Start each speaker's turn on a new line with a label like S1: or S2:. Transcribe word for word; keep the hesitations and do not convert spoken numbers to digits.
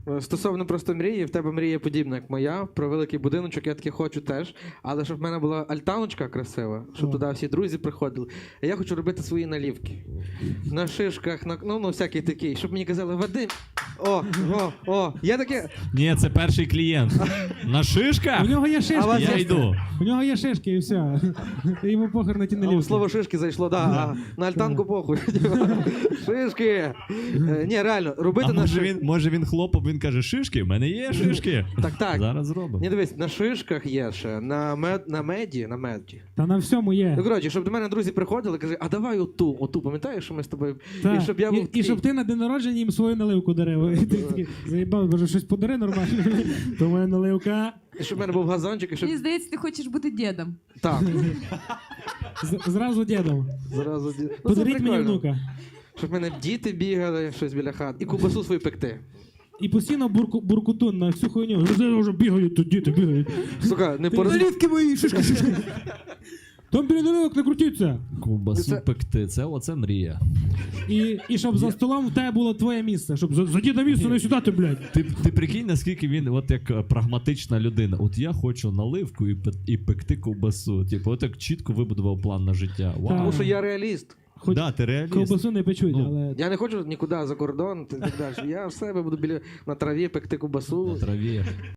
S1: Стосовно просто мрії, в тебе мрія подібна, як моя, про великий будиночок, я таки хочу теж, але щоб в мене була альтаночка красива, щоб
S2: О.
S1: туди всі друзі приходили. А я хочу робити свої налівки. На шишках, на, ну, ну всякий такий, щоб мені казали, Вадим, о, о, о, я таке,
S3: Ні, це перший клієнт. На шишках?
S2: У нього є
S1: А
S2: шишки.
S1: вас
S3: Я
S1: є-
S3: йду.
S2: У нього є шишки і все. Йому похер на ті
S1: а,
S2: налівки.
S1: слово шишки зайшло, да, а на альтанку похуй. Шишки. Е, Ні, реально, робити
S3: А
S1: на
S3: може
S1: шишках.
S3: він, може він хлопом, він каже, шишки? В мене є шишки.
S1: Так, так.
S3: Зараз зробимо.
S1: Ні, дивись, на шишках є ще, на, мед, на меді, на меді.
S2: Та на всьому є.
S1: Ну, коротше, щоб до мене друзі приходили, каже, а давай оту, оту, пам'ятаєш, що ми з тобою...
S2: Та.
S1: І щоб я був
S2: і, і
S1: такий-
S2: щоб ти на день народження їм свою наливку дарив. І ти такий, заїбав, боже, щось подари нормально. То моя наливка.
S1: І щоб в мене був газончик, і щоб...
S4: Мені здається, ти хочеш бути дідом.
S1: Так,
S2: З- Зразу дідом.
S1: зразу... ді- Ну, це
S2: Подаріть мені
S1: прикольно.
S2: внука.
S1: Щоб в мене діти бігали, щось біля хат, і кубасу свою пекти.
S2: І постійно бурку, буркутун на всю хуйню. Вже вже бігають тут, діти бігають.
S1: Сука, не
S2: Ти
S1: пороз...
S2: Наливки мої, шишки, шишки. Там біля наливок не крутіться.
S3: Ковбасу
S1: Це-
S3: пекти, це оце мрія.
S2: І, і щоб за столом в тебе було твоє місце. Щоб за, за діда місце не сюди ти, блядь.
S3: Ти, ти прикинь, наскільки він от як е, прагматична людина. От я хочу наливку і, пе- і пекти ковбасу. Типу, от як чітко вибудував план на життя. Вау.
S1: Тому що я реаліст.
S2: Хоч
S3: Да, ти реаліст.
S2: ковбасу не печуть,
S3: Ну,
S2: але...
S1: Я не хочу нікуди за кордон і так далі. Я в себе буду біля на траві пекти кубасу.
S3: На траві.